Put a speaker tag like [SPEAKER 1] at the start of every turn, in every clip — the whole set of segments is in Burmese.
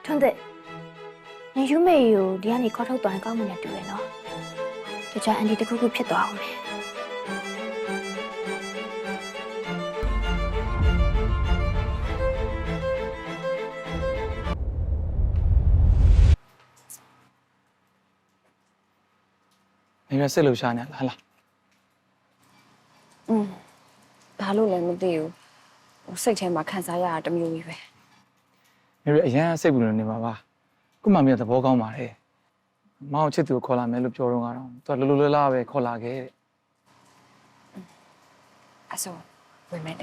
[SPEAKER 1] ထွန်းသက်နေယူမေကိုဒီကနေခေါ်ထုတ်သွားရင်ကောင်းမှလည်းတူရနော်တခြားအန်ဒီတစ်ခုခုဖြစ်သွားအောင်မယ်
[SPEAKER 2] နေရစစ်လို့ရှာနေလား
[SPEAKER 3] ဘာလို့လဲမသိဘူးစိတ်ထဲမှာခံစားရတာတမျိုးကြီးပဲ
[SPEAKER 2] နေရအရန်စိတ်ပူနေမှာပါခုမှမင်းသဘောကောင်းပါတယ်မောင်ချစ်သူကိုခေါ်လာမယ်လို့ပြောတော့ကတော့သူကလိုလားပဲခေါ်လာခဲ့တဲ့
[SPEAKER 3] အဲ့ဆိုဝင်မယ်လေ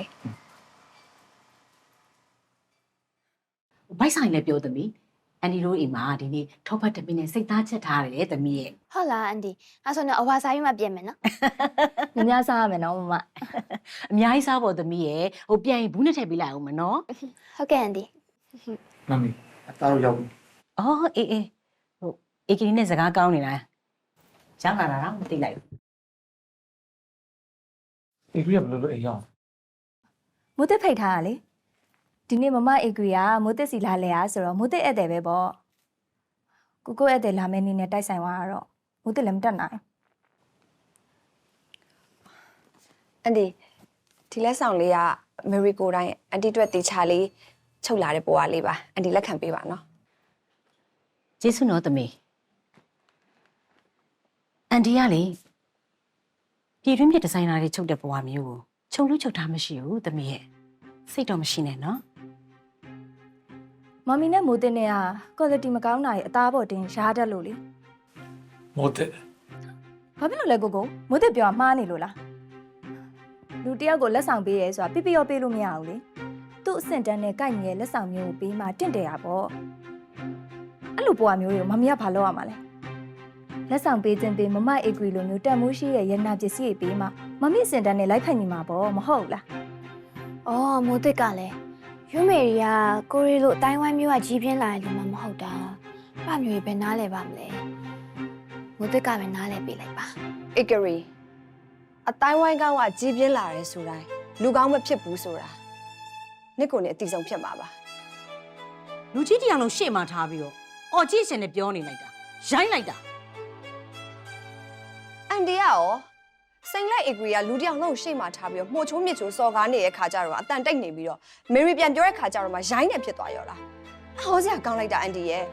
[SPEAKER 4] ဘိုက်ဆိုင်လည်းပြောသမီးအန်ဒီတို့အိမ်မှာဒီနေ့ထောက်ဖတ်တမင်းနဲ့စိတ်သားချက်ထားတယ်သမီးရဲ့
[SPEAKER 1] ဟုတ်လားအန်ဒီအဲ့ဆိုတော့အဝါစားပြီးမှပြင်မယ်နော်
[SPEAKER 5] ။များစားရမယ်နော်မမ
[SPEAKER 4] အများကြီးစားဖို့သမီးရဲ့ဟိုပြန်ရင်ဘူးနဲ့ထည့်ပေးလိုက်အောင်မနော်
[SPEAKER 1] ဟုတ်ကဲ့အန်ဒီ
[SPEAKER 2] မမီအသားတော့ရောက်ပြီ
[SPEAKER 4] အော်အေးဟိုအေကီနဲ့စကားကောင်းနေတာရောက်လာတာတော့မသိလိုက်ဘူး
[SPEAKER 2] အေဂရီကဘယ်လိုလုပ်အိမ်ရောက်
[SPEAKER 5] ။မိုးတစ်ဖိတ်ထားတာလေ။ဒီနေ့မမအေဂရီကမိုးတစ်စီလာလဲရဆိုတော့မိုးတစ်ဧည့်သည်ပဲပေါ့။ကိုဧည့်သည်လာမယ့်နေ့နဲ့တိုက်ဆိုင်သွားတော့မိုးတစ်လည်းမတက်နိုင်
[SPEAKER 3] အန်ဒီဒီလက်ဆောင်လေးကအမေရိကိုတိုင်းအန်တီအတွက်တေချာလေးချုပ်လာတဲ့ပေါ်ကလေးပါအန်တီလက်ခံပေးပါနော်
[SPEAKER 4] ကျေးဇူးနော်သမီးအန်ဒီကလေပြည်တွင်းပြဒီဇိုင်နာတွေချုပ်တဲ့ဘဝမျိုးကိုချုပ်လို့ချုပ်ထားမရှိဘူးသမီးရဲ့စိတ်တော့မရှိနဲ့နော်
[SPEAKER 5] ။မမီနဲ့မိုးတစ်နဲ့က quality မကောင်းတာရဲ့အသားပေါ်တင်ရှားတတ်လို့လေ
[SPEAKER 2] မိုးတဲ့
[SPEAKER 5] ။ဘာဖြစ်လို့လဲကိုမိုးတစ်ပြောမှားနေလို့လား။လူတယောက်ကိုလက်ဆောင်ပေးရဲဆိုတာပြပြရောပေးလို့မရဘူးလေ။သူ့အဆင့်တန်းနဲ့ကိုက်ညီရဲ့လက်ဆောင်မျိုးကိုပေးမှတင့်တယ်ရပေါ့။အဲ့လိုပေါ်မျိုးတွေကိုမမီကဘာလုပ်ရမှာလဲ။လက်ဆောင်ပေးခြင်းပေးမမအေဂရီလိုမျိုးတန်မိုးရှိရဲ့ရနာပစ္စည်းတွေပေးမှမမီအဆင့်တန်းနဲ့လိုက်ဖက်ညီမှာပေါ့မဟုတ်လား
[SPEAKER 1] အော်မိုးသစ်ကလည်းယူမေရီကကိုရီလိုအတိုင်းဝိုင်းမျိုးကကြီးပြင်းလာတယ်လို့မှမဟုတ်တာဘာမျိုးပဲနားလဲပါမလဲမိုးသစ်ကပဲနားလဲပေးလိုက်ပါ
[SPEAKER 3] အေဂရီအတိုင်းဝိုင်းကောင်းကကြီးပြင်းလာတယ်ဆိုတိုင်းလူကောင်းမဖြစ်ဘူးဆိုတာနှစ်ကိုနဲ့အတီဆုံးဖြစ်မှာပါ
[SPEAKER 4] လူကြီးတယောက်လုံးရှေ့မှာထားပြီးတော့အော်ကြည့်ရှင်နဲ့ပြောနေလိုက်တာရိုင်းလိုက်တာ
[SPEAKER 3] အန်တီကရောစိန်လိုက်အေဂရီကလူတယောက်လုံးရှေ့မှာထားပြီးတော့မှုတ်ချိုးမြစ်ချိုးစော်ကားနေတဲ့ခါကြတော့အတန်တိတ်နေပြီးတော့မေရီပြန်ပြောတဲ့ခါကြတော့မှရိုင်းနေဖြစ်သွားရောလားဟောစရာကောင်းလိုက်တာအန်တီရဲ့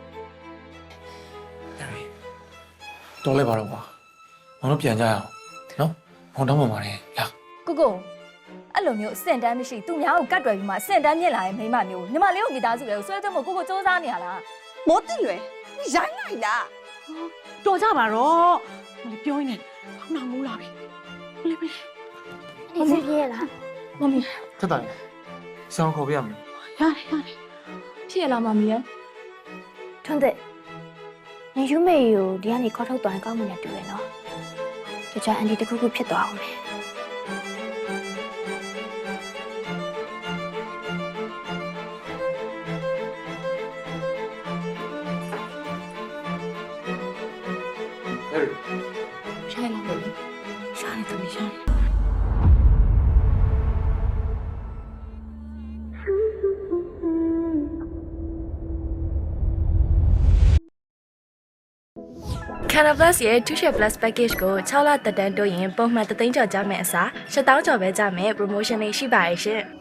[SPEAKER 2] တော်လဲပါတော့ကွာမောင်တို့ပြန်ကြရအောင်နော်မောင်တောင်းပါပါတယ်လာ
[SPEAKER 5] ကိုအဲ့လိုမျိုးအဆင့်တန်းမရှိသူများကိုကတ်တွယ်ပြီးမှအဆင့်တန်းမြင့်လာရင်မိမမျိုးညီမလေးကိုမိသားစုတွေကိုဆွဲသွင်းဖို့ကိုစူးစမ်းနေရလား
[SPEAKER 3] မိုးတိလွယ်ရိုင်းလိုက်လား
[SPEAKER 4] တော်ကြပါတော့ဟိုပြောရင်းနဲ့ခေါင်းနာမူးလာပြီလေပဲ
[SPEAKER 1] နေစပြည့်လား
[SPEAKER 5] မမီ
[SPEAKER 2] တက်တယ်ဆောင်းခေါ်ပြရမယ်
[SPEAKER 4] ရတယ်
[SPEAKER 5] ဖြစ်ရလားမမီရဲ့
[SPEAKER 1] ထွန်းသက်နေယူမေကိုဒီကနေခေါ်ထုတ်သွားရင်ကောင်းမှလည်းတူရနော်တခြားအန်ဒီတစ်ခုခုဖြစ်သွားအောင်မယ်
[SPEAKER 2] အေး
[SPEAKER 4] ရှားလာလို့ရှားနေသမီးရှားနေ
[SPEAKER 6] Canal Plus ရဲ့ 2share Plus package ကို6လတက်တန်းတိုးရင်ပုံမှန်3သိန်းကျော်ကြမယ်အစား7,000ကျော်ပဲကြမယ် promotion လေးရှိပါရဲ့ရှင်။